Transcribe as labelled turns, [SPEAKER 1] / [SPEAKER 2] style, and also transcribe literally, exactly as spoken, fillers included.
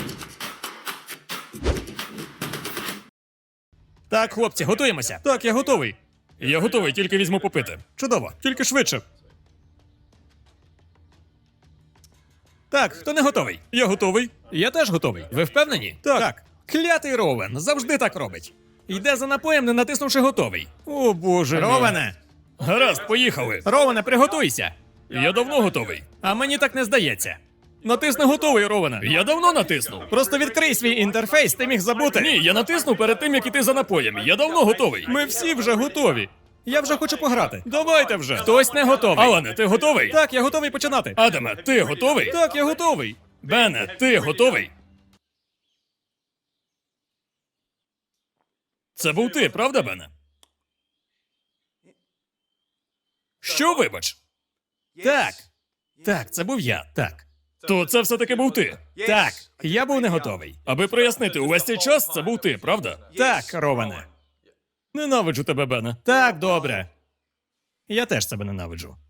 [SPEAKER 1] Так, хлопці, готуємося. Так, я готовий. Я готовий, тільки візьму попити. Чудово, тільки швидше. Так, хто не готовий? Я готовий. Я теж готовий. Ви впевнені? Так. так. Клятий Ровен завжди так робить. Йде за напоєм, не натиснувши готовий. О, боже. Ровене! Гаразд, поїхали. Ровене, приготуйся. Я давно готовий. А мені так не здається. Натисни готовий, Ровене. Я давно натиснув. Просто відкрий свій інтерфейс, ти міг забути. Ні, я натиснув перед тим, як іти за напоєм. Я давно готовий. Ми всі вже готові. Я вже хочу пограти. Давайте вже. Хтось не готовий. Алане, ти готовий? Так, я готовий починати. Адаме, ти готовий? Так, я готовий. Бене, ти готовий? Це був ти, правда, Бене? Що, вибач? Так. Так, це був я, так. То це все-таки був ти? Так, я був не готовий. Аби прояснити, увесь цей час це був ти, правда? Так, Роване. Ненавиджу тебе, Бене. Так, добре. Я теж тебе ненавиджу.